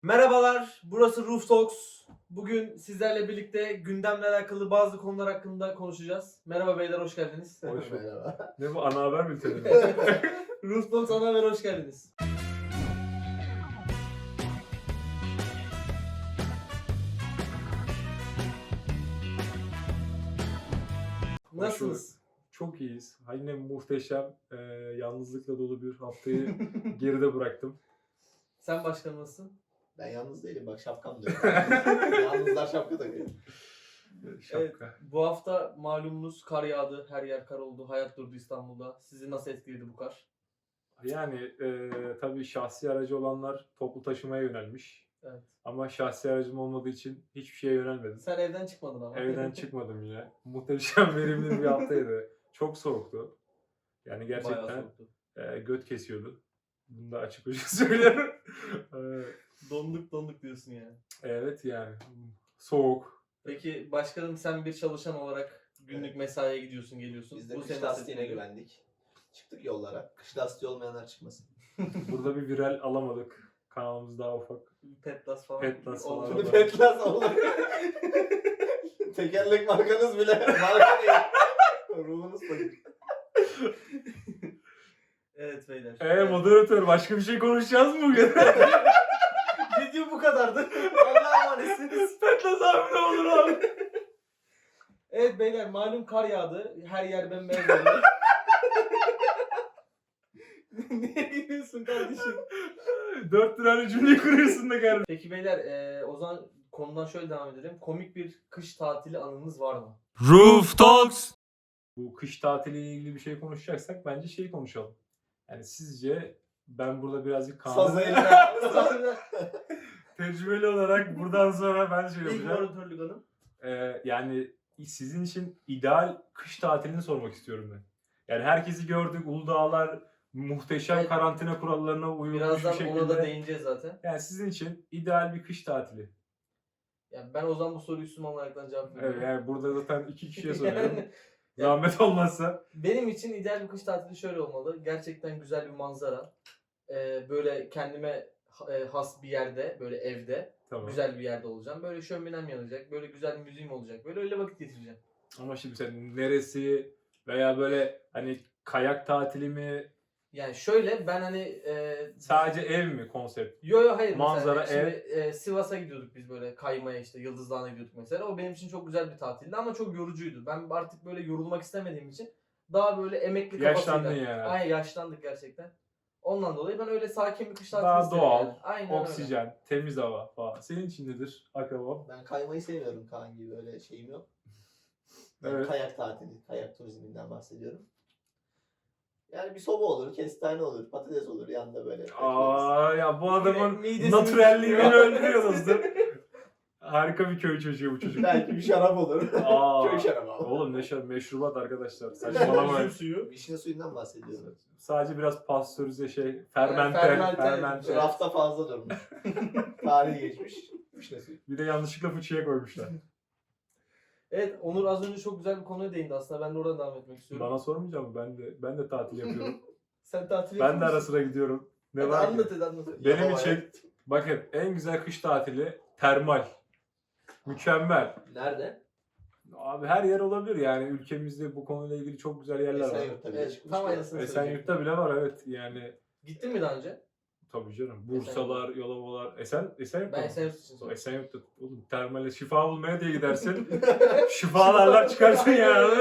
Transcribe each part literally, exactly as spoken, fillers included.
Merhabalar, burası Roof Talks. Bugün sizlerle birlikte gündemle alakalı bazı konular hakkında konuşacağız. Merhaba beyler, hoş geldiniz. Hoş bulduk. Merhaba. Ne bu, ana haber bülteni mi? Roof Talks ana haber, hoş geldiniz. Nasılsınız? Çok iyiyiz. Yine muhteşem, e, yalnızlıkla dolu bir haftayı geride bıraktım. Sen başkan nasılsın? Ben yalnız değilim, bak şapkam da yok. Yalnızlar şapka takıyor. Şapka. Evet, bu hafta malumunuz kar yağdı, her yer kar oldu, hayat durdu İstanbul'da. Sizi nasıl etkiledi bu kar? Yani e, tabii şahsi aracı olanlar toplu taşımaya yönelmiş. Evet. Ama şahsi aracım olmadığı için hiçbir şeye yönelmedim. Sen evden çıkmadın ama. Evden çıkmadım yine. Muhteşem verimli bir haftaydı. Çok soğuktu. Yani Bayağı gerçekten soğuktu. e, göt kesiyordu. Bunu da açık açık söylüyorum. E, Donduk donduk diyorsun yani. evet yani. Soğuk. Peki başkanım, sen bir çalışan olarak günlük Evet. mesaiye gidiyorsun, geliyorsun. Biz de Bu kış seni lastiğine nasıl etkiliyor? güvendik. Çıktık yollara. Kış lastiği olmayanlar çıkmasın. Burada bir viral alamadık. Kanalımız daha ufak. Petlas falan. Petlas falan. oldu. Vallahi. Petlas olur. Tekerlek markanız bile marka değil. Ruhunuz fakir. Evet beyler. Eee moderatör, başka bir şey konuşacağız mı bugün? Video bu kadardı. Allah'a emanetsiniz. Petlas abi ne olur abi. Evet beyler, malum kar yağdı. Her yer bembeyaz oldu. Niye gidiyorsun kardeşim? Dört lirayla cümleyi kuruyorsun da kardeşim. Peki beyler, eee, o zaman konudan şöyle devam edelim. Komik bir kış tatili anınız var mı? Roof Talks. Bu kış tatiliyle ilgili bir şey konuşacaksak bence şey konuşalım. Yani sizce ben burada birazcık Sazı Kaan'ı eline. tecrübeli olarak buradan sonra ben şey İlk yapacağım. moderatörlük hanım. Ee, yani sizin için ideal kış tatilini sormak istiyorum ben. Yani herkesi gördük, Uludağlar muhteşem Evet. karantina kurallarına uyulmuş bir Birazdan şekilde. ona da değineceğiz zaten. Yani sizin için ideal bir kış tatili. Yani ben o zaman bu soruyu Müslüman olaraktan cevap veriyorum. Evet, yani burada zaten iki kişiye soruyorum. Yani- Zahmet olmazsa. Benim için ideal bir kış tatili şöyle olmalı. Gerçekten güzel bir manzara. Ee, böyle kendime ha- e, has bir yerde, böyle evde. Tamam. Güzel bir yerde olacağım. Böyle şöminem yanacak. Böyle güzel bir müziğim olacak. Böyle öyle vakit geçireceğim. Ama şimdi sen neresi veya böyle hani kayak tatili mi, Yani şöyle ben hani e, sadece ev mi konsept? yo yo hayır Manzara, mesela şimdi e, Sivas'a gidiyorduk biz, böyle kaymaya, işte Yıldız Dağı'na gidiyorduk mesela. O benim için çok güzel bir tatildi ama çok yorucuydu. Ben artık böyle yorulmak istemediğim için daha böyle emekli kafasıyla. Yaşlandın yani. Aynen, yaşlandık gerçekten. Ondan dolayı ben öyle sakin bir kış tatili Daha isterim doğal, yani. Aynen öyle. oksijen, temiz hava falan. Senin için nedir akabam? Ben kaymayı sevmiyorum, Kaan gibi, öyle şeyim yok. Ben Evet. kayak tatili, kayak turizminden bahsediyorum. Yani bir soba olur, kestane olur, patates olur yanında böyle. Aa ya bu adamın Midesini natürelliğini tutuyor. öldürüyor dostum. Harika bir köy çocuğu bu çocuk. Belki bir şarap olur. Aa, Köy şarabı ama. oğlum ne şarap, meşrubat arkadaşlar. Saçmalamayın. Üzüm suyu. Vişne suyundan bahsediyorum. Sadece biraz pastörize şey, fermente, fermente. fermente. Rafta fazla durmuş. Tarihi geçmiş. Vişne suyu. Bir de yanlışlıkla fıçıya koymuşlar. Evet, Onur az önce çok güzel bir konuya değindi aslında. Ben de oradan devam etmek istiyorum. Bana sormayacak mı? Ben de ben de tatil yapıyorum. Sen tatil Ben de yapıyor ara musun? sıra gidiyorum. Ne Hadi var ki? anlat hadi anlat. Benim Yapamaya. için bakın en güzel kış tatili termal. Mükemmel. Nerede? Abi her yer olabilir yani, ülkemizde bu konuyla ilgili çok güzel yerler var. Esenyurt'ta bile Evet, çıkmış. tam ya. aynısını Esenyurt'ta bile var, evet yani. Gittin mi daha önce? Tabii canım. Bursalar, Yalovalar. Esen, Esenyurt'ta Ben mı? Esenyurt için sordum. Esenyurt'ta oğlum termale şifa bulmaya diye gidersin. Şifalarlar çıkarsın yani.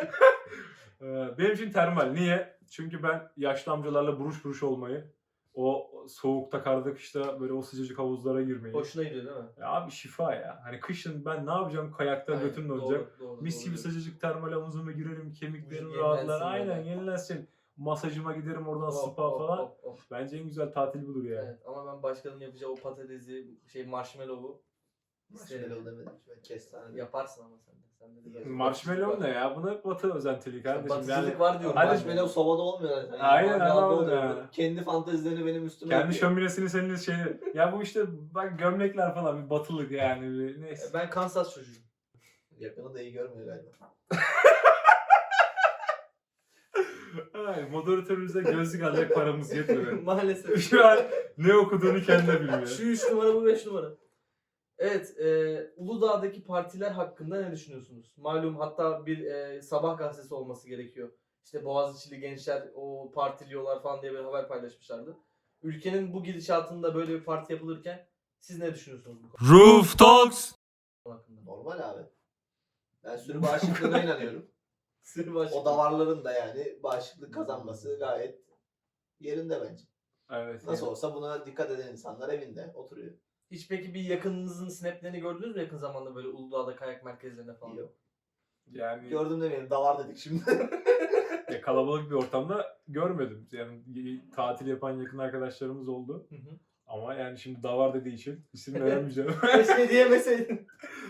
Ee, Benim için termal. Niye? Çünkü ben yaşlı amcalarla buruş buruş olmayı, o soğukta, karda, kışta böyle o sıcacık havuzlara girmeyi. Hoşuna gidiyor değil mi? Ya abi şifa ya. Hani kışın ben ne yapacağım? Kayakta Aynen, götüm doğru, donacak. doğru, Mis doğru gibi diyorsun. sıcacık termal havuzuma girerim, kemiklerim Vücut rahatlar. yenilensin Aynen böyle. yenilensin. Masajıma giderim oradan, Of, spa of, falan. of, of. Bence en güzel tatil budur yani. Evet, ama ben başkanın yapacağı o patatesi, şey marshmallow'u Marshmallow demedim. Ben kestane dedim. yaparsın ama sen de. Sen de biraz Marshmallow batıcılık ne var. ya? Buna batı özentili kardeşim. Batıcılık Yani var diyorum. Hadi- Marshmallow sobada olmuyor. Yani. Aynen, Mangalda anladım oluyor. ya. Kendi fantezilerini benim üstüme kendi yapıyor. şöminesini senin şey. Ya bu işte bak gömlekler falan bir batılık yani. Bir, neyse. Ben Kansas çocuğuyum. Yakını da iyi görmüyor galiba. Ay, moderatörümüze gözlük alacak paramız yetmedi. Maalesef. Şu an ne okuduğunu kendi de bilmiyor. Şu üç numara, bu beş numara. Evet, e, Uludağ'daki partiler hakkında ne düşünüyorsunuz? Malum, hatta bir e, sabah gazetesi olması gerekiyor. İşte Boğaziçi'li gençler o partiliyorlar falan diye bir haber paylaşmışlardı. Ülkenin bu gidişatında böyle bir parti yapılırken siz ne düşünüyorsunuz bu konu Roof Talks. hakkında? Normal abi. Ben sürü bağışıklığına inanıyorum. Sırf başka. O davarların da yani bağışıklık kazanması gayet yerinde bence. Evet. Nasıl olsa buna dikkat eden insanlar evinde oturuyor. Hiç peki bir yakınınızın snaplerini gördünüz mü yakın zamanda böyle Uludağ'da kayak merkezlerinde falan? Yok. Yani Gördüm demeyelim, davar dedik şimdi. ya, kalabalık bir ortamda görmedim. Yani y- tatil yapan yakın arkadaşlarımız oldu. Hı hı. Ama yani şimdi davar dediği için isim veremeyeceğim. Keşke diyemeseydin.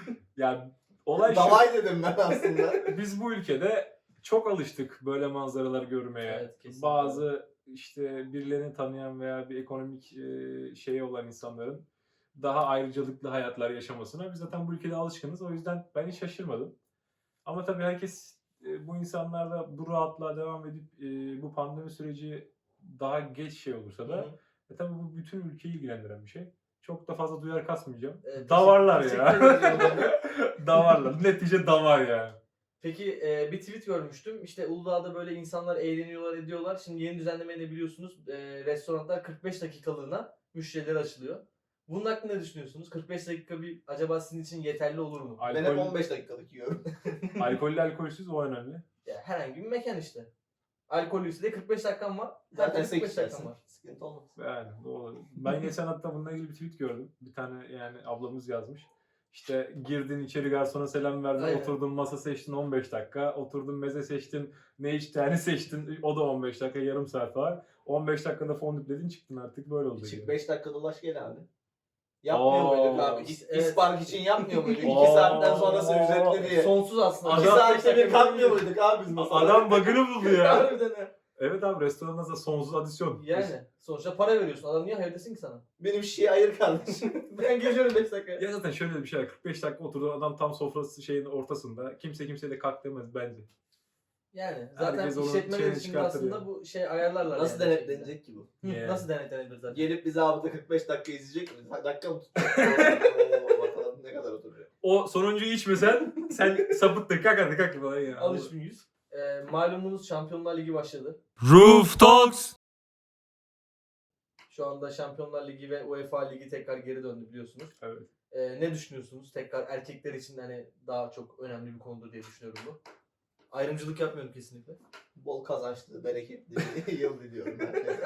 Yani olay şu. Davay dedim ben aslında. Biz bu ülkede çok alıştık böyle manzaralar görmeye. Evet, kesinlikle. Bazı işte birilerini tanıyan veya bir ekonomik e, şeyi olan insanların daha ayrıcalıklı hayatlar yaşamasına biz zaten bu ülkede alışkınız. O yüzden ben hiç şaşırmadım. Ama tabii herkes, e, bu insanlar da bu rahatlığa devam edip e, bu pandemi süreci daha geç şey olursa da Hı hı. e, tabii bu bütün ülkeyi ilgilendiren bir şey. Çok da fazla duyar kasmayacağım. Evet, Davarlar teşekkür- ya. teşekkür ederim. Davarlar. Netice davar yani. Peki e, bir tweet görmüştüm. İşte Uludağ'da böyle insanlar eğleniyorlar, ediyorlar. Şimdi yeni düzenlemeyi de biliyorsunuz. E, restoranlar kırk beş dakikalığına müşterilere açılıyor. Bunun hakkında ne düşünüyorsunuz? kırk beş dakika bir acaba sizin için yeterli olur mu? Ben hep Alkol, on beş dakikalık yiyorum. alkollü alkolsüz o önemli. Ya, herhangi bir mekan işte. Alkollüyse de kırk beş dakikan var. Zaten Herkes kırk beş sekiz dakikan dersin. var. Sıkıntı olmaz. Yani doğru. Ben geçen hatta bununla ilgili bir tweet gördüm. Bir tane yani ablamız yazmış. İşte girdin içeri, garsona selam verdin, Aynen. oturdun masa seçtin on beş dakika, oturdun meze seçtin, ne içtiğini seçtin, o da on beş dakika, yarım saat var. on beş dakikada fondüpledin çıktın, artık böyle oldu. Çık yani. beş dakika dolaş gel abi. Yapmıyor Oo, muyduk abi? İs- evet. İspark için yapmıyor muyduk? Oo. iki saatten sonrası ücretli diye. Sonsuz aslında. İki Adam- saatte bir kalkmıyor muyduk abi biz masada? Adam bug'ını buldu ya. Harbiden ha. Evet abi, restoranda da sonsuz adisyon. Yani sonuçta para veriyorsun. Adam niye hayır desin ki sana? Benim şişeyi ayır kardeşim. Ben geliyorum beş dakika. Ya zaten şöyle bir şey var, kırk beş dakika oturdu adam tam sofrası şeyin ortasında. Kimse kimseye de kalk demez bence. Yani zaten Herkes onun işletmeler şeyini için de çıkartır aslında yani. bu şey ayarlarlar. Nasıl yani. denetlenecek ki bu? Hı, Yani. Nasıl denetlenebilir zaten? Gelip bize abi kırk beş dakika izleyecek mi? Dakika mı tutacak? Oo, bakalım ne kadar oturuyor. O sonuncuyu içmesen sen sapıttın, kalk hadi kalk falan ya. Alış mıyız? Ee, malumunuz Şampiyonlar Ligi başladı. Roof Talks. Şu anda Şampiyonlar Ligi ve UEFA Ligi tekrar geri döndü biliyorsunuz. Evet. Ee, ne düşünüyorsunuz? Tekrar erkekler için de hani daha çok önemli bir konudur diye düşünüyorum bu. Ayrımcılık yapmıyorum kesinlikle. Bol kazançlı, bereketli bir yıl diliyorum herkese.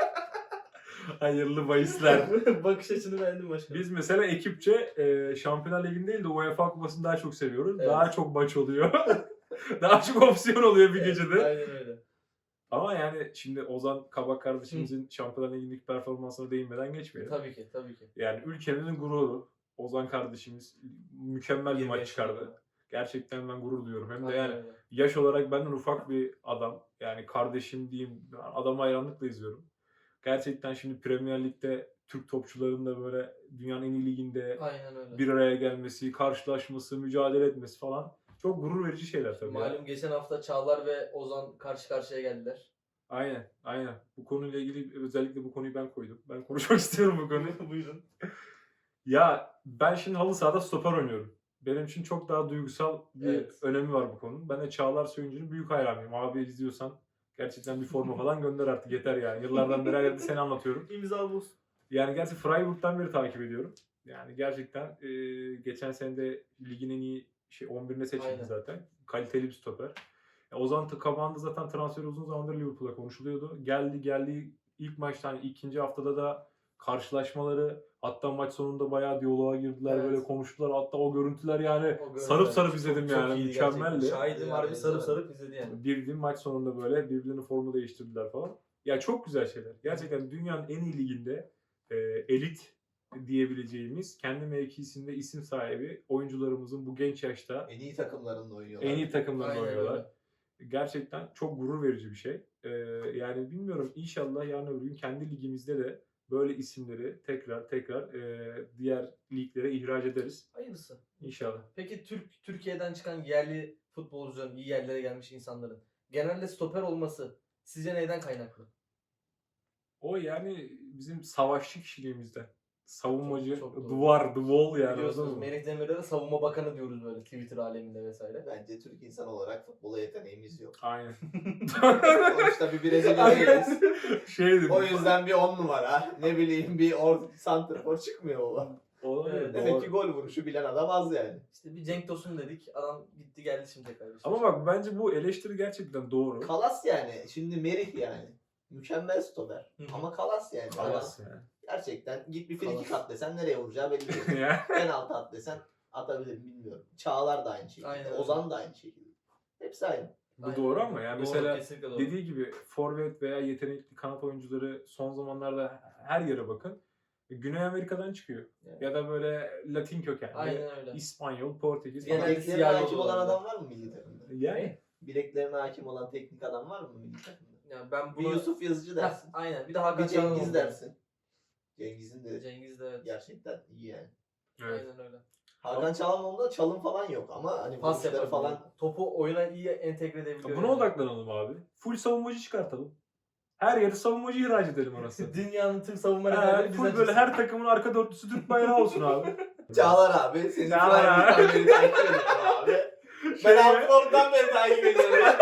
Hayırlı bahisler. Bakış açını beğendim başkanım. Biz mesela ekipçe e, Şampiyonlar Ligi'ni değil de UEFA Kupası'nı daha çok seviyoruz. Evet. Daha çok maç oluyor. Daha çok opsiyon oluyor bir gecede. Aynen öyle. Ama yani şimdi Ozan Kabak kardeşimizin Şampiyonlar Ligi'ndeki performansına değinmeden geçmeyelim. Tabii ki, tabii ki. Yani ülkemizin gururu. Ozan kardeşimiz mükemmel bir yirmi maç yaşında. çıkardı. Gerçekten ben gurur duyuyorum. Hem de Aynen yani öyle. yaş olarak benden ufak bir adam. Yani kardeşim diyeyim. Adamı hayranlıkla izliyorum. Gerçekten şimdi Premier Lig'de Türk topçuların da böyle dünyanın en iyi liginde Aynen öyle. bir araya gelmesi, karşılaşması, mücadele etmesi falan çok gurur verici şeyler tabii. ya. Malum geçen hafta Çağlar ve Ozan karşı karşıya geldiler. Aynen, aynen. Bu konuyla ilgili özellikle bu konuyu ben koydum. Ben konuşmak istiyorum bu konuyu. Buyurun. Ya ben şimdi halı sahada stoper oynuyorum. Benim için çok daha duygusal bir Evet. önemi var bu konunun. Ben de Çağlar Söyüncü'nün büyük hayranıyım. Abi izliyorsan gerçekten bir forma falan gönder artık, yeter yani. Yıllardan beri her yerde seni anlatıyorum. İmza buz. Yani gerçi Freiburg'dan beri takip ediyorum. Yani gerçekten e, geçen sene de ligin en iyi şey on birine seçildi Aynen. zaten. Kaliteli bir stoper. Ya Ozan Kabak'ın da zaten transferi uzun zamandır Liverpool'a konuşuluyordu. Geldi geldi ilk maçta, hani ikinci haftada da karşılaşmaları, hatta maç sonunda bayağı diyaloğa girdiler, Evet. böyle konuştular. Hatta o görüntüler yani O görüntüler sarıp sarıp çok- izledim çok yani, iyiydi mükemmeldi. gerçekten. Şahidim Ya, harbi evet, sarıp evet. sarıp izledi yani. Bildiğin maç sonunda böyle birbirlerinin formu değiştirdiler falan. Ya çok güzel şeyler. Gerçekten dünyanın en iyi liginde e, elit diyebileceğimiz, kendi mevkisinde isim sahibi oyuncularımızın bu genç yaşta En iyi takımlarında oynuyorlar. en iyi takımlarında Aynen oynuyorlar. öyle. Gerçekten çok gurur verici bir şey. Ee, yani bilmiyorum, inşallah yarın öbür gün kendi ligimizde de böyle isimleri tekrar tekrar e, diğer liglere ihraç ederiz. Hayırlısı. İnşallah. Peki Türk Türkiye'den çıkan yerli futbolcuların, iyi yerlere gelmiş insanların genelde stoper olması sizce neyden kaynaklı? O yani bizim savaşçı kişiliğimizden. Savunmacı, Çok- çok doğru. duvar, the wall yani. Biliyorsunuz anladın mı? Melih Demirel'e de savunma bakanı diyoruz böyle Twitter aleminde vesaire. Bence Türk insan olarak futbola yeteneğimiz yok. Aynen. Sonuçta bir Brezilya'dayız. Şeydi. O yüzden bir on numara, ne bileyim bir or santrafor çıkmıyor baba. Olabilir, Evet, Demek doğru. ki gol vuruşu bilen adam az yani. İşte bir Cenk Tosun dedik. Adam gitti geldi şimdi tekrar. Ama bak bence bu eleştiri gerçekten doğru. Kalas yani. Şimdi Merih yani. Mükemmel stoper. Hı hı. Ama kalas yani. Kalas yani. Gerçekten git bir Kalas. frikik at desen nereye vuracağı belli değil. Ya. Penaltı at desen atabilir mi bilmiyorum. Çağlar da aynı şekilde. Aynen öyle. Ozan da aynı şekilde. Hepsi aynı. Bu doğru ama yani mesela kesinlikle doğru. dediği gibi forvet veya yetenekli kanat oyuncuları son zamanlarda her yere bakın. Güney Amerika'dan çıkıyor. Evet. Ya da böyle Latin kökenli. Aynen öyle. İspanyol, Portekiz Genelde falan. Bileklerine siyah hakim yolu olan var. adam var mı milli takımda? Yani Bileklerine hakim olan teknik adam var mı milli takımda? Yani ben Bir bunu... Yusuf Yazıcı Heh, dersin. aynen. Bir de Hakan Bir Cengiz Çalhanoğlu dersin. Cengiz'in de Cengiz de evet. gerçekten iyi yani. evet. Aynen öyle. Hakan Çalhanoğlu'nda çalım falan yok ama hani Pas vuruşları yapabiliyor. falan. Topu oyuna iyi entegre edebiliyor. Buna yani. odaklanalım abi. Full savunmacı çıkartalım. Her yere savunmacı ihraç edelim arasında. Dünyanın tüm savunma Ha, liderleri full bizden böyle çıksın. her takımın arka dörtlüsü Türk bayrağı olsun abi. Çağlar abi senin Çağlar abi. Frankfurt'tan beri takip ediyorum abi. Şey, Ben Altfort'tan beri takip ediyorum.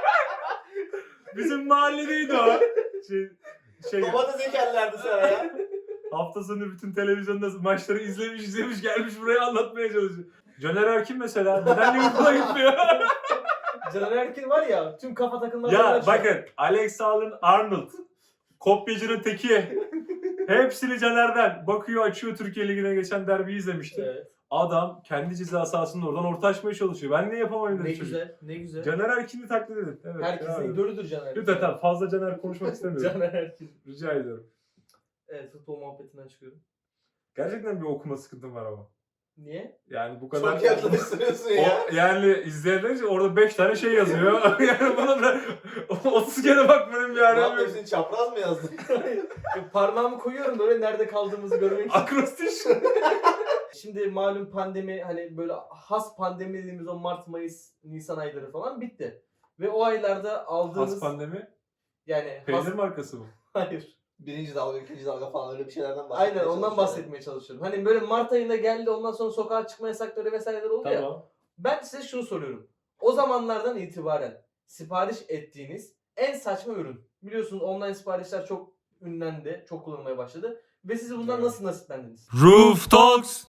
bizim mahalledeydi o. Şey, şey, Domates ekerlerdi sana ya. hafta sonu bütün televizyonda maçları izlemiş izlemiş gelmiş buraya anlatmaya çalışıyor. Caner Erkin mesela neden Liverpool'a gitmiyor? Caner Erkin var ya tüm kafa takımları Ya bakın Alex Allen-Arnold, kopyacının teki. Hepsini Caner'den. Bakıyor açıyor Türkiye Ligi'ne geçen derbiyi izlemişti. Evet. Adam kendi ceza sahasında oradan orta açmaya çalışıyor. Ben ne yapamayım Ne dedi çocuk. güzel, ne güzel. Caner Erkin'i taklit edin. Evet, Herkesin abi. idolüdür Caner Erkin. Lütfen tamam, fazla Caner konuşmak istemiyorum. Caner Erkin. Rica ediyorum. Evet, futbol muhabbetinden çıkıyorum. Gerçekten bir okuma sıkıntım var ama. Niye? Yani bu kadar... Çok yaklaştırıyorsun ya. O, yani izleyenler için orada beş tane şey yazıyor. Yani buna da otuz kere bakmanın bir Ne alemi yaptın yok. hepsini çapraz mı yazdın? Parmağımı koyuyorum böyle nerede kaldığımızı görmek için. Akrostiş. Şimdi malum pandemi hani böyle has pandemi dediğimiz o Mart, Mayıs, Nisan ayları falan bitti. Ve o aylarda aldığımız Has pandemi. yani Peynir has... markası mı? Hayır. Birinci dalga, ikinci dalga falan öyle bir şeylerden bahsetmeye Aynen ondan çalışıyorum. bahsetmeye çalışıyorum. Hani böyle Mart ayında geldi ondan sonra sokağa çıkma yasakları vesaireler oldu ya. Tamam. Ben size şunu soruyorum. O zamanlardan itibaren sipariş ettiğiniz en saçma ürün. Biliyorsunuz online siparişler çok ünlendi, çok kullanılmaya başladı. Ve siz bundan Evet. nasıl nasiplendiniz? Roof Talks.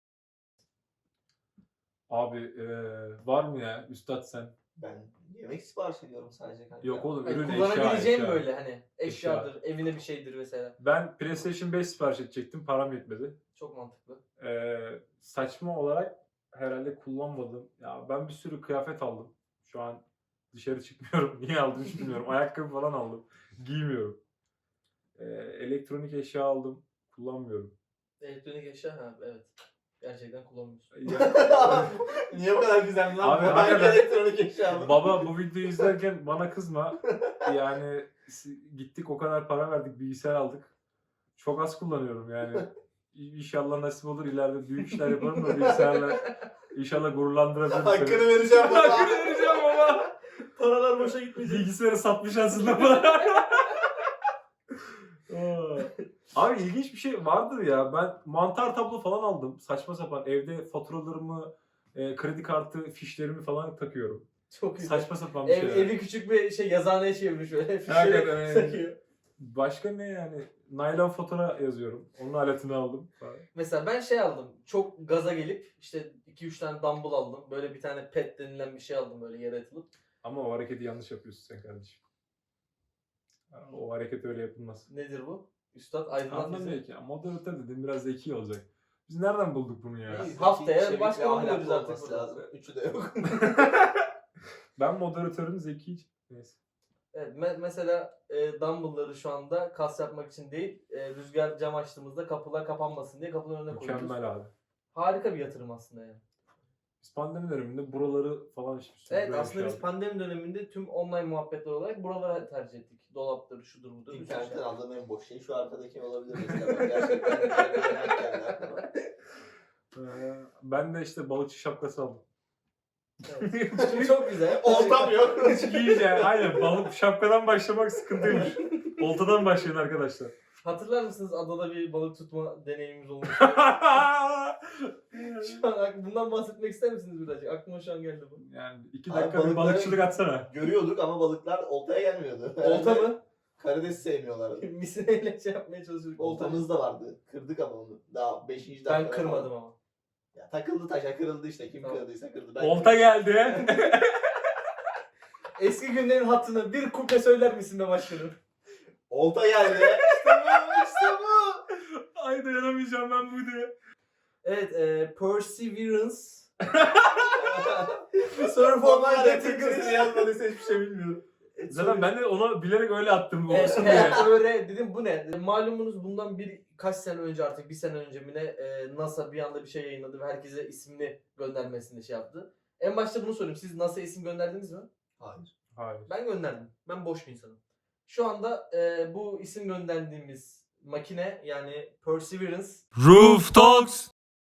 Abi eee, var mı ya Üstad sen? Ben yemek sipariş ediyorum sadece kanka. Yok oğlum Hani ürün eşya kullanabileceğim eşya. böyle hani eşyadır, evine bir şeydir vesaire. Ben PlayStation beş sipariş edecektim. Param yetmedi. Çok mantıklı. Eee, saçma olarak herhalde kullanmadım. Ya ben bir sürü kıyafet aldım. Şu an dışarı çıkmıyorum. Niye aldım hiç bilmiyorum. Ayakkabı falan aldım. Giymiyorum. Eee, elektronik eşya aldım. Kullanmıyorum. Elektronik eşya ha evet. Gerçekten kullanmıyorsun. Ya- Niye bu kadar güzel lan? Abi, Ben hakikaten- elektronik eşya mı? Baba bu videoyu izlerken bana kızma. Yani si- gittik o kadar para verdik bilgisayar aldık. Çok az kullanıyorum yani. İ- İnşallah nasip olur ileride büyük işler yaparım da bilgisayarla inşallah gururlandırabilirim seni. Hakkını vereceğim baba. Hakkını vereceğim baba. Paralar boşa gitmeyecek. Bilgisayarı satmış aslında bana. Aa. Abi ilginç bir şey vardır ya. Ben mantar tablo falan aldım. Saçma sapan evde faturalarımı, e, kredi kartı fişlerimi falan takıyorum. Çok güzel. Saçma sapan bir Ev, şey. evi küçük bir şey yazıhaneye çevirmiş böyle. Hakikaten Fişleri öyle. takıyor. Başka ne yani? Naylon fatura yazıyorum. Onun aletini aldım. Mesela ben şey aldım. Çok gaza gelip işte iki üç tane dumbbell aldım. Böyle bir tane pet denilen bir şey aldım böyle yere atılıp. Ama o hareketi yanlış yapıyorsun sen kardeşim. O hareket öyle yapılmaz. Nedir bu? Üstad aydınlat Anlamıyor bizi. ki. Moderatör dedim biraz zeki olacak. Biz nereden bulduk bunu ya? İyi. Haftaya Çevik başka ve bir ahlaklı buluyoruz artık olması burada. lazım. Üçü de yok. Ben moderatörüm zeki. Neyse. Evet, me- mesela e, dumbbellları şu anda kas yapmak için değil, e, rüzgar cam açtığımızda kapılar kapanmasın diye kapıların önüne koyuyoruz. Mükemmel abi. Harika bir yatırım aslında yani. Biz pandemi döneminde buraları falan işte. Evet böyle aslında şey biz aldık. pandemi döneminde tüm online muhabbetler olarak buraları tercih ettik. Dolaptır, şudur budur. bir sürü İnternetten şey. aldığım en boş şey şu arkadaki olabilir mesela. Ben gerçekten güzel bir yemek geldi aklıma. Ee, ben de işte balıkçı şapkası aldım. Evet. Çok güzel. Oltam yok. İyice aynen balık şapkadan başlamak sıkıntıymış. Oltadan başlayın arkadaşlar. Hatırlar mısınız adada bir balık tutma deneyimimiz olmuş? Şu an bundan bahsetmek ister misiniz birazcık? Aklıma şu an geldi bu. Yani iki Abi dakika bir balıkları- balıkçılık atsana. Görüyorduk ama balıklar oltaya gelmiyordu. Olta mı? Karides sevmiyorlardı. Misineyle şey yapmaya çalışıyorduk. Olta mı? Oltamız da vardı. Kırdık ama onu. Daha beşinci dakika. Ben kırmadım ama. Ya, takıldı taşa kırıldı işte. Kim Tamam. kırdıysa kırdı. Ben Olta geldi. Eski günlerin hatını bir kuple söyler misin be başkanım? Olta geldi. İşte bu, işte bu. Ay dayanamayacağım ben bu diye. Evet, e, Perseverance. Sonra formal Onlar da Türkçesini getirdim. yazmadıysa hiçbir şey bilmiyorum. Zaten ben de onu bilerek öyle attım. Evet, Olsun diye. evet, öyle dedim bu ne? Malumunuz bundan birkaç sene önce artık bir sene önce mi ne e, NASA bir anda bir şey yayınladı ve herkese ismini göndermesini şey yaptı. En başta bunu sorayım. Siz NASA'ya isim gönderdiniz mi? Hayır. Hayır. Ben gönderdim. Ben boş bir insanım. Şu anda e, bu isim gönderdiğimiz makine yani Perseverance Roof Talks.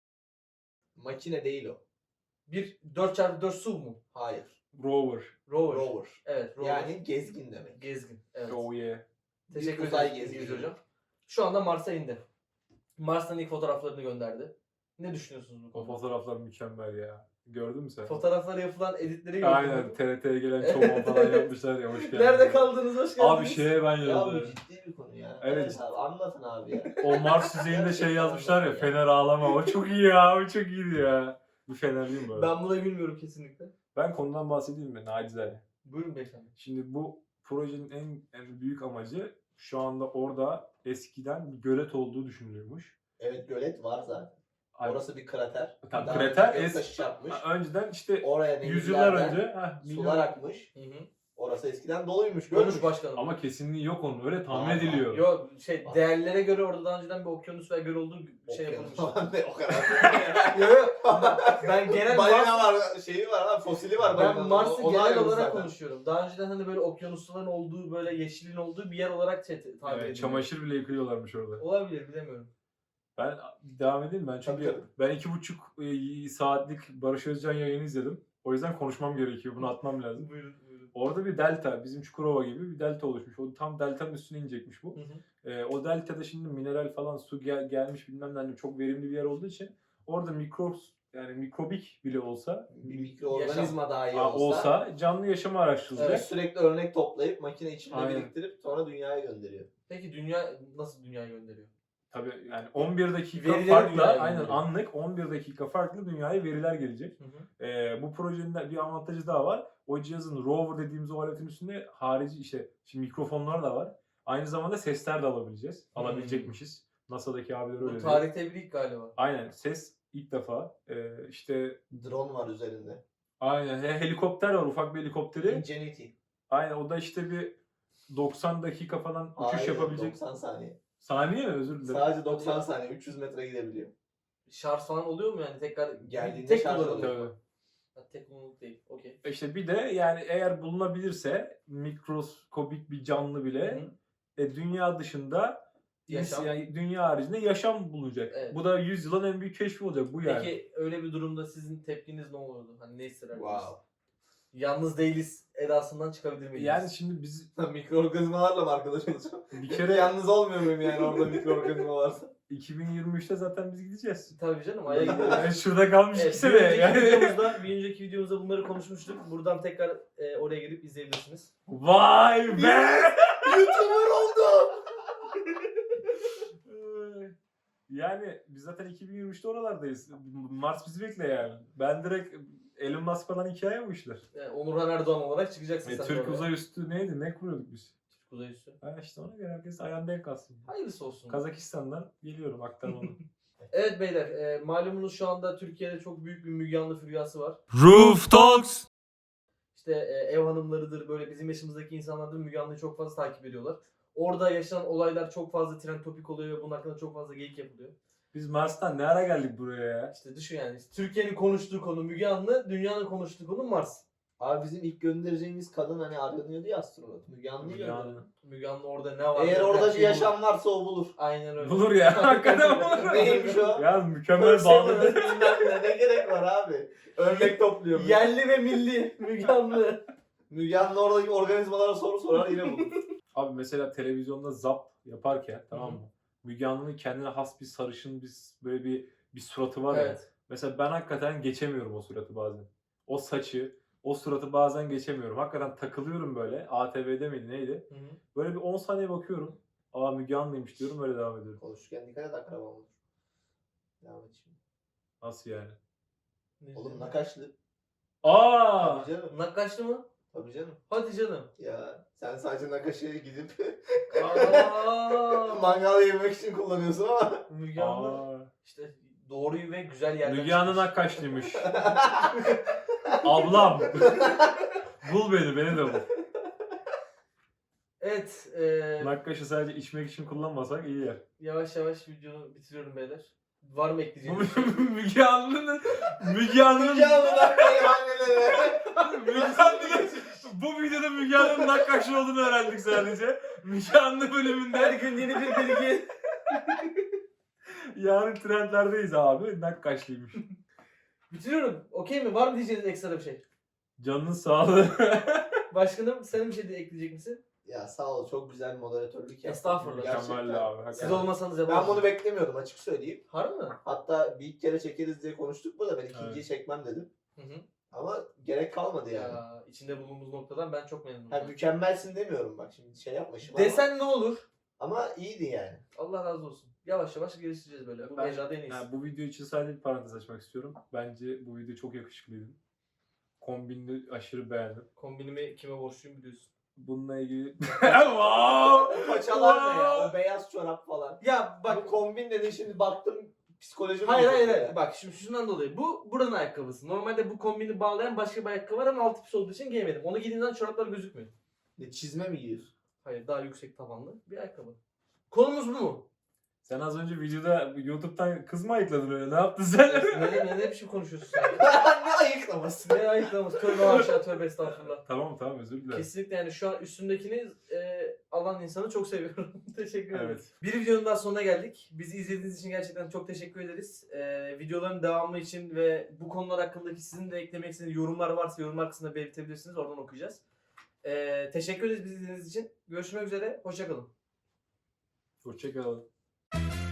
Makine değil o. bir dört çarpı dört S U V mu? Hayır. Rover. Rover. Rover. Evet, rover. Yani gezgin demek. gezgin. Evet. Oh yeah. Teşekkür Bir uzay ederim gezgini. İngiliz hocam. Şu anda Mars'a indi. Mars'tan ilk fotoğraflarını gönderdi. Ne düşünüyorsunuz bu O konuda? fotoğraflar mükemmel ya. Gördün mü sen? Fotoğraflara yapılan editleri gördüm. Aynen T R T'ye gelen çoban falan yapmışlar ya, hoş geldin. Nerede kaldınız? Hoş geldiniz. Abi şeye ben Ya bu yazdım. ciddi bir konu ya. Evet. abi anlatın abi ya. O Mars yüzeyinde şey yazmışlar ya, Fener ağlama. O çok iyi ya, o çok iyiydi ya. Bir Fenerliyim böyle. Ben, Ben buna gülmüyorum kesinlikle. konudan bahsedeyim mi? Nacizane. Buyurun beyefendi. Şimdi bu projenin en, en büyük amacı şu anda orada eskiden bir gölet olduğu düşünülüyormuş. Evet gölet var zaten. Ay- Orası bir krater. Tam Daha krater önce es- göktaşı çarpmış. Önceden işte Oraya yüzyıllar denizlerden önce heh, milyon- sular akmış. Hı hı. Orası eskiden doluymuş. Konuş Görmüş. başkanım. ama kesinliği yok onun, öyle tahmin Var, var. ediliyor. Yok şey değerlere göre orada daha önceden bir okyanus ve göl olduğu şey Okyanus yapılmış. falan ne o kadar. Yok yok. Ben genel Balina Mars, var, şeyi var lan, fosili var. ben balinanın. Mars'ı Onu genel arıyoruz olarak zaten. konuşuyorum. Daha önceden hani böyle okyanusların olduğu böyle yeşilin olduğu bir yer olarak şey, tabir Evet, ediliyor. çamaşır bile yıkıyorlarmış orada. Olabilir bilemiyorum. Ben devam edeyim ben çünkü Tabii, tabii. ben iki buçuk e, saatlik Barış Özcan yayını izledim. O yüzden konuşmam gerekiyor. Bunu atmam lazım. Buyurun buyurun. Orada bir delta, bizim Çukurova gibi bir delta oluşmuş. O tam deltanın üstüne inecekmiş bu. Hı hı. Ee, o deltada şimdi mineral falan su gel- gelmiş bilmem ne, hani çok verimli bir yer olduğu için orada mikro yani mikrobik bile olsa Bir mikroorganizma dahi a- olsa, olsa canlı yaşamı araştırılacak. evet, sürekli örnek toplayıp makine içinde Aynen. biriktirip sonra dünyaya gönderiyor. Peki dünya nasıl dünyaya gönderiyor? Tabii yani on bir dakika Verileri farkla dünyaya aynen gönderiyor. anlık on bir dakika farklı dünyaya veriler gelecek. Hı hı. Ee, bu projenin de bir avantajı daha var. O cihazın rover dediğimiz o aletin üstünde harici işte şimdi mikrofonlar da var. Aynı zamanda sesler de alabileceğiz. Hmm. Alabilecekmişiz. NASA'daki abiler öyle Bu diyor. tarihte bir ilk galiba. Aynen ses ilk defa. Ee, işte Drone var üzerinde. aynen he- helikopter var, ufak bir helikopteri. Ingenuity. Aynen o da işte bir doksan dakika falan uçuş Hayır, yapabilecek. doksan saniye. Saniye mi? Özür dilerim. Sadece doksan saniye üç yüz metre gidebiliyor. Şarj falan oluyor mu yani tekrar Geldiğinde tek şarj kullanım. oluyor. Tabii. Ha, tek kullanımlık değil. Okey. İşte bir de yani eğer bulunabilirse mikroskobik bir canlı bile Hı. e, dünya dışında Yaşam. yani dünya haricinde yaşam bulunacak. Evet. Bu da yüz yılın en büyük keşfi olacak bu yani. Peki öyle bir durumda sizin tepkiniz ne olurdu? Hani ne hissederdiniz? Wow. Yalnız değiliz edasından çıkabilir miydiniz? Yani şimdi biz Mikroorganizmalarla mı arkadaş olacağım? bir Kere kere yalnız olmuyor muyum yani orada mikroorganizma varsa? iki bin yirmi üçte zaten biz gideceğiz. Tabii canım Ay'a gidiyoruz. Yani şurada kalmış Evet, iki bir, sene. önceki Yani. videomuzda, bir önceki videomuzda bunları konuşmuştuk. Buradan tekrar e, oraya gelip izleyebilirsiniz. Vay be! YouTuber oldum! Yani biz zaten iki bin yirmi üçte oralardayız. Mars bizi bekle yani. Ben direkt Elon Musk falan hikaye bu işler. Yani Onurhan Erdoğan olarak çıkacaksın E, sen Türk oraya. uzay üstü neydi? Ne kuruyorduk biz? Türk uzay üssü. Ha işte ona göre herkes ayağında denk kalsın. Hayırlısı olsun. Kazakistan'dan geliyorum aktarmalı. Evet beyler, e, malumunuz şu anda Türkiye'de çok büyük bir Müge Anlı furyası var. Roof Talks. İşte e, ev hanımlarıdır, böyle bizim yaşımızdaki insanlardır Müge Anlı'yı çok fazla takip ediyorlar. Orada yaşanan olaylar çok fazla trend topik oluyor ve bunun hakkında çok fazla geyik yapılıyor. Biz Mars'tan ne ara geldik buraya ya? İşte düşün yani, Türkiye'nin konuştuğu konu Müge Anlı, dünyanın konuştuğu konu Mars. Abi bizim ilk göndereceğimiz kadın hani aranıyordu ya astronot. Müge Anlı'yı Müge gönderelim. Anlı. Müge Anlı orada ne var? Eğer Her orada bir şeyi yaşam bulur. varsa o bulur. Aynen öyle. Bulur ya. Hakikaten bulur. Neymiş o? Ya mükemmel bağlı. Bilmem ne, ne gerek var abi? Örnek topluyor. Yerli ve milli Müge Anlı. Müge Anlı oradaki organizmalara soru sorar yine bulur. Abi mesela televizyonda zap yaparken tamam mı? Müge Anlı'nın kendine has bir sarışın bir böyle bir bir suratı var ya. Evet. Mesela ben hakikaten geçemiyorum o suratı bazen. O saçı, o suratı bazen geçemiyorum. Hakikaten takılıyorum böyle. A T V'de miydi neydi? Hı hı. Böyle bir on saniye bakıyorum. Aa Müge Anlı'ymış diyorum, böyle devam ediyorum. Konuşurken dikkat et akraba olur. Devam et şimdi. Nasıl yani? Ne Oğlum diyorsun? nakaşlı. Aa! Tabii canım. Nakkaşlı mı? Tabii canım. Hadi canım. Ya sen sadece nakaşıya gidip Aa, mangal yemek için kullanıyorsun ama. Müge Anlı Aa. işte doğruyu ve güzel yerden Müge Anlı çıkmış. Nakkaşlıymış. Ablam. Bul beni, beni de bul. Evet. E, Nakkaşı sadece içmek için kullanmasak iyi yer. yavaş yavaş videoyu bitiriyorum beyler. Var mı Bu ekleyeceğiniz bir şey? Müge Anlı'nın Müge Anlı'nın Müge Anlı'dan meyhanelere. Müge Anlı'nın bu videoda Müge Anlı'nın nakkaşlı olduğunu öğrendik sadece. Müge Anlı Her bölümünde gün yeni bir bilgi. yarın trendlerdeyiz abi. Nakkaşlıymış. Bitiriyorum. Okey mi? Var mı diyeceğiniz ekstra bir şey? Canının sağlığı. Başkanım senin bir şey de ekleyecek misin? Ya sağ ol, çok güzel bir moderatörlük yaptın. Estağfurullah. Gerçekten. Mükemmel abi. Siz hakikaten. olmasanız Ben yapamam. bunu beklemiyordum, açık söyleyeyim. Harbi mi? Hatta bir ilk kere çekeriz diye konuştuk burada, ben ikinciyi Evet. çekmem dedim. Hı hı. Ama gerek kalmadı yani. Ya, içinde bulunduğumuz noktadan ben çok memnunum. Ha, mükemmelsin demiyorum bak, şimdi şey yapma şimdi ama, Desen ne olur? ama iyiydi yani. Allah razı olsun. Yavaş yavaş geliştireceğiz böyle. Bu Ben- mecrada en iyisi. Ha, bu video için sadece bir parantez açmak istiyorum. Bence bu video çok yakışıklıydın. Kombinini aşırı beğendim. Kombinimi kime borçluyum biliyorsun. Bununla ilgili... wow! O paçalar ne ya? Wow! O beyaz çorap falan. Ya Bak bak. bu kombin dedin, şimdi baktım psikolojim Hayır bozuldu hayır ya. hayır. Bak şimdi şundan dolayı. Bu buranın ayakkabısı. Normalde bu kombini bağlayan başka bir ayakkabı var ama altı pis olduğu için giyemedim. Onu giydiğimden çoraplar gözükmüyor. Ne, çizme mi giyiyorsun? Hayır, daha yüksek tabanlı bir ayakkabı. Konumuz bu mu? Sen az önce videoda YouTube'dan kız mı ayıkladın öyle? Ne yaptın sen? ne, ne, ne biçim konuşuyorsun sen? ya? Ne ayıklaması? Ne ayıklaması? Tövbe haşa, tövbe estağfurullah. Tamam tamam, özür dilerim. Kesinlikle yani şu an üstündekini e, alan insanı çok seviyorum. Teşekkür ederim. Evet. Bir videonun daha sonuna geldik. Bizi izlediğiniz için gerçekten çok teşekkür ederiz. E, videoların devamı için ve bu konular hakkındaki sizin de eklemek istediğiniz yorumlar varsa yorumlar kısmında belirtebilirsiniz. Oradan okuyacağız. E, teşekkür ederiz bizi izlediğiniz için. Görüşmek üzere. Hoşçakalın. Hoşçakalın.